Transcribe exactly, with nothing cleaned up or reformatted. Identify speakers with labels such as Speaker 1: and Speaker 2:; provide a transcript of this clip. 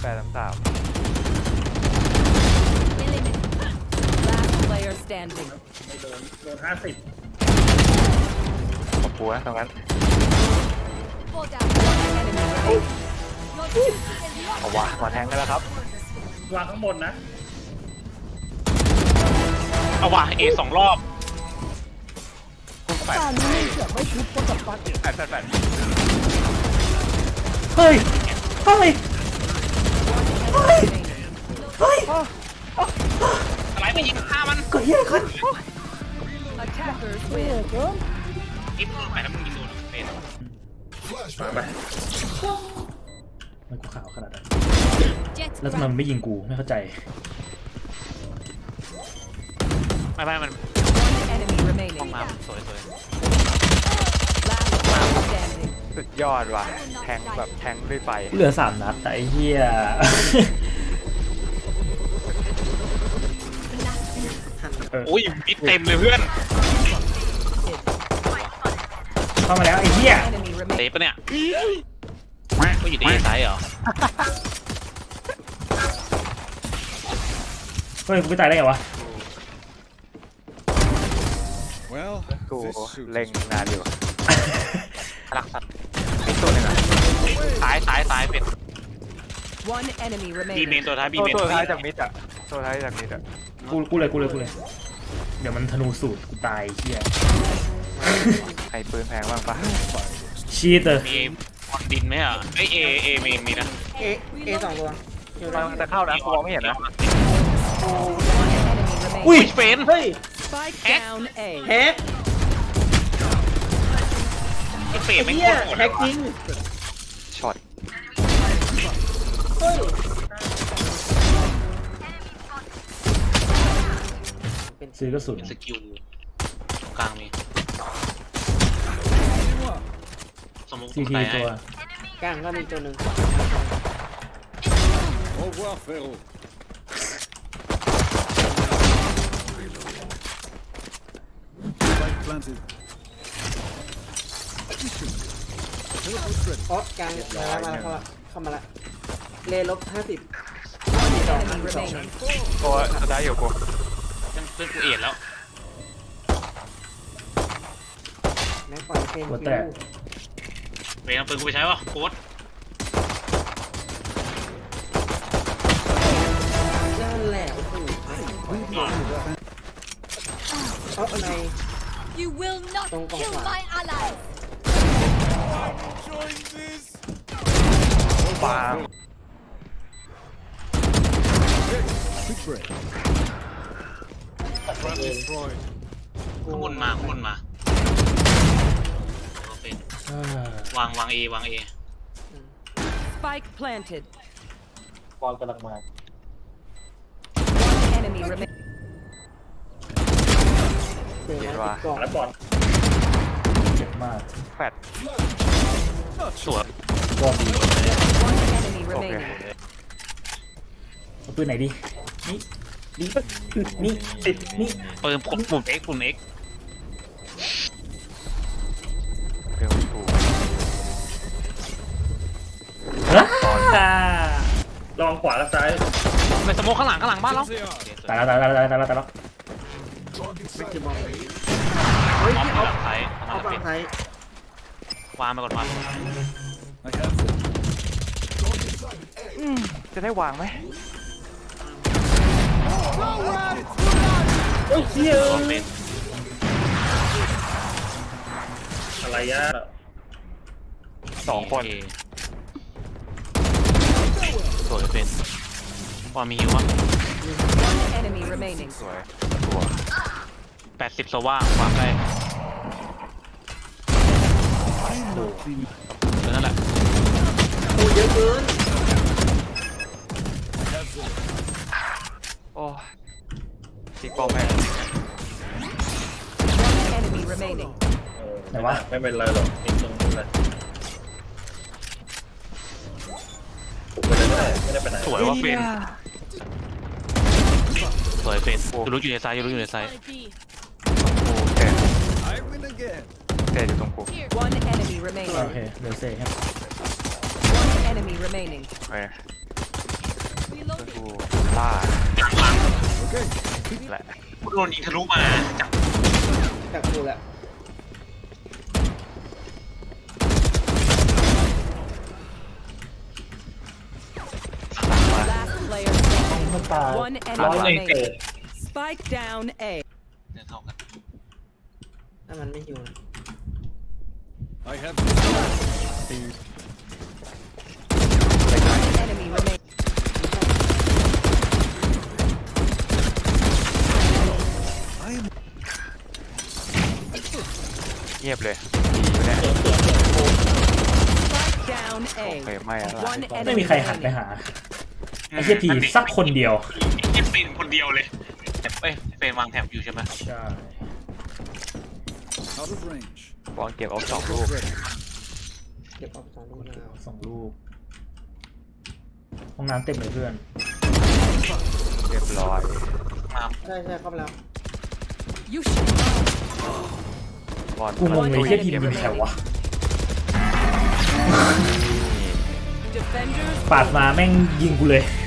Speaker 1: ดสามสาม
Speaker 2: Last player standing.
Speaker 3: ไม่โดนโดนห้าสิบ
Speaker 1: ขอบคุณนะตรงนั้น
Speaker 2: Fall down. One enemy remaining. Your duty is not
Speaker 1: เอาวะมาแทงกันแล้วครับ
Speaker 3: วางข้างบนนะ
Speaker 4: เอาว่ะเอสองรอบแปด
Speaker 1: แปดแปดแปด
Speaker 5: เฮ้ยเฮ้ย
Speaker 2: remaining.
Speaker 5: เฮ้ย
Speaker 4: อะไรไปยิงฆ่ามัน
Speaker 5: เกิดยังไงขึ้น
Speaker 2: Attackers win.
Speaker 4: ยิงไปแล้วมึงยิงโดนเป็น
Speaker 3: มาไป
Speaker 5: มันกูขาวขนาดนั้น
Speaker 2: Jet
Speaker 5: แล้วทำไมมันไม่ยิงกูไม่เข้าใจ
Speaker 4: ไม่ไม่มัน
Speaker 2: One enemy
Speaker 4: ห้อง
Speaker 2: remaining.
Speaker 4: น้ำสวยสวย
Speaker 2: Last player standing.
Speaker 1: สุดยอดว่ะแทงแบบแทงด้วยไฟ
Speaker 5: เหลือสามนัดแต่ไอ้เหี้ย
Speaker 4: โอ้ยมิดเต็มเลยเพื่อน
Speaker 5: เข้ามาแล้วไอ้เหี้ย
Speaker 2: Enemy
Speaker 4: เตะ
Speaker 2: remaining.
Speaker 4: ปะเนี่ยก็อยู่ในซ้ายเหรอ
Speaker 5: เฮ้ยกูไม่ตายได้ไงวะ
Speaker 6: Well,
Speaker 1: กู
Speaker 6: this suit
Speaker 1: เล็ง
Speaker 6: is
Speaker 1: นานอยู่
Speaker 4: รักสัตว์
Speaker 1: มีตัวหนึ่งอ่ะ
Speaker 4: ซ้ายซ้ายซ้ายเป็น
Speaker 2: One enemy
Speaker 4: บีเมน
Speaker 2: remaining.
Speaker 4: ตัวท้ายบี
Speaker 1: ตัว
Speaker 4: เมน
Speaker 1: ตัวท้ายจากมิดอ่ะตัวท้ายจากมิดอ่ะ
Speaker 5: กูกูเลยกูเลยกูเลยเดี๋ยวมันธนูสูตรกูตายไอ้เหี้ย
Speaker 1: ใครปืนแพงบ้างปะ
Speaker 5: ชีเตอร์
Speaker 4: มีบอลดินไหมอ่ะไอเอเอมีมีนะ
Speaker 7: เอเอสองตัวอยู่
Speaker 1: มันจะเข้านะกูมองไม่เห็นนะ
Speaker 2: One enemy
Speaker 5: อุ้ย
Speaker 2: remaining.
Speaker 4: เป็น
Speaker 7: เฮ้ย
Speaker 2: Spike down A.
Speaker 7: แฮก
Speaker 4: ไอเฟร
Speaker 7: ไอ้
Speaker 4: มไม่ง
Speaker 7: เหี้
Speaker 4: โค
Speaker 7: ย
Speaker 4: ตรโหด
Speaker 7: แฮกจริง
Speaker 1: ช็อต
Speaker 7: เฮ้ยเป็น
Speaker 5: ซื้อกระสุน
Speaker 4: เป็นสกิลกลางมีสมมุติ
Speaker 5: ซีที
Speaker 4: ไป
Speaker 5: ตัว
Speaker 7: กลางก็มีตัวหนึ่ง
Speaker 6: Au revoir, frérot. Spike planted.
Speaker 7: เพราะกลางมาแล้วมาแล้วเข้ามาเข้ามาละเลลบห้าสิบ
Speaker 2: Enemy remaining.
Speaker 1: ตัวสุดท้ายอยู่กู
Speaker 4: เป็นเพื่อนกูเอ็ดแล้ว
Speaker 7: แม็กปล่อยเป็น
Speaker 5: หัวแตก
Speaker 4: เวรเอาปืนกูไปใช้ป่ะโค้ด
Speaker 7: นั่นแหละโอ้โหเอาอะไร
Speaker 2: You will not
Speaker 7: Don't go
Speaker 2: kill
Speaker 7: far.
Speaker 2: my allies.
Speaker 1: ปาล์ม
Speaker 6: Big break. Trap destroyed.
Speaker 4: ข้างบนมาข้างบนมาโอเค
Speaker 5: อ่าว
Speaker 4: างวางเอวางเอ
Speaker 2: Spike planted.
Speaker 5: บอลกำลังมา
Speaker 2: One enemy remaining.
Speaker 7: เดี๋ยวนะติดกล่อง
Speaker 3: แล้วบอล
Speaker 5: เจ็บมาก
Speaker 1: แฟด
Speaker 4: สวย
Speaker 5: บอลดี
Speaker 2: One enemy
Speaker 1: โอเค
Speaker 2: remaining.
Speaker 5: เอาปืนไหนดีนี่นี่นี่นี่
Speaker 4: ปืนปุ่มเอ็กปุ่มเอ็ก
Speaker 1: เร็วถูก
Speaker 5: อ่า
Speaker 3: ลองขวาและซ้าย
Speaker 4: ไปสโมกข้างหลังข้างหลังบ้านเรา
Speaker 6: They are.
Speaker 5: ตายแล้วตายแล้วตายแล้วตายแล้วตายแล้ว
Speaker 7: ไม่คือบอลเฮ้ย
Speaker 4: ออฟ
Speaker 7: ที่
Speaker 4: ห
Speaker 7: เอา
Speaker 4: ลังไทย
Speaker 7: เอา
Speaker 4: มา
Speaker 7: ฝั่
Speaker 4: เป็
Speaker 7: ง
Speaker 4: น
Speaker 7: ไทยว
Speaker 4: างไปก่อนวาง
Speaker 6: I have them.
Speaker 1: จะได้วางไหม
Speaker 7: โอ้ยเชี่ย
Speaker 4: ออฟเป็น
Speaker 3: อะไรยะ
Speaker 1: สองคน
Speaker 4: โสวยเป็นวางมีฮิววะ
Speaker 2: One enemy remaining.
Speaker 1: สวยตัว
Speaker 4: แปดสิบสว่างวางได้เออนั่นแหละ
Speaker 7: โอ้ยเยอะเกิน
Speaker 1: โอ้จิกบอลแม่ง
Speaker 2: One enemy remaining.
Speaker 5: ไหนวะ
Speaker 3: ไม่เป็นไรหรอกติดตรงนี้เลยผมไปเลยก็ได้ไม่ได้ไปไหน
Speaker 4: สวยว่าเป็นสวยเป็นยูรู้อยู่ในซ้ายยูรู้อยู่ในซ้าย
Speaker 1: โอเค
Speaker 6: I win again.
Speaker 1: เตะอยู่ตรงกู
Speaker 2: One enemy
Speaker 5: โอ
Speaker 2: remaining.
Speaker 5: เคเดี๋ยวเซ่ครับ
Speaker 2: One enemy remaining.
Speaker 1: โอเคแหละ
Speaker 4: กูโดนยิงทะลุมาจาก
Speaker 7: จากกูแหละ
Speaker 2: Last player standing.
Speaker 5: มันตาย
Speaker 2: One
Speaker 3: ร้อย
Speaker 2: enemy
Speaker 3: หนึ่งเกิด
Speaker 2: remaining. Spike down A.
Speaker 4: เดินเท่ากัน
Speaker 7: ถ้ามันไม่อยู่นะ
Speaker 6: I have
Speaker 2: One enemy remaining.
Speaker 1: เงียบเลยดีเนี่ย
Speaker 2: Spike down
Speaker 1: โอ
Speaker 2: A.
Speaker 1: เคไม่อะไร
Speaker 2: One
Speaker 5: ไม่
Speaker 2: enemy
Speaker 5: มีใครหันไป
Speaker 2: remaining.
Speaker 5: หาไอ้เหี้ยพีสักคนเดียว
Speaker 4: ไอ้เหี้ยเป็นคนเดียวเลยเอ้ยเฟนวางแถบอยู่ใช่ไหม
Speaker 5: ใช่
Speaker 6: out of range.
Speaker 1: วางเก็บเอาสองลูก
Speaker 6: Ready.
Speaker 7: เก็บออกสองลูกแล้ว
Speaker 5: สองลูกห้องน้ำเต็มเลยเพื่อน
Speaker 1: เรียบร้อย
Speaker 4: มา
Speaker 7: ใช่ใช่เข้าไปแล้ว
Speaker 2: You should.
Speaker 1: บอล
Speaker 5: กูงงเลยเหี้ยพีมันแถววะ
Speaker 2: Defenders.
Speaker 5: ปาดมาแม่งยิงกูเลย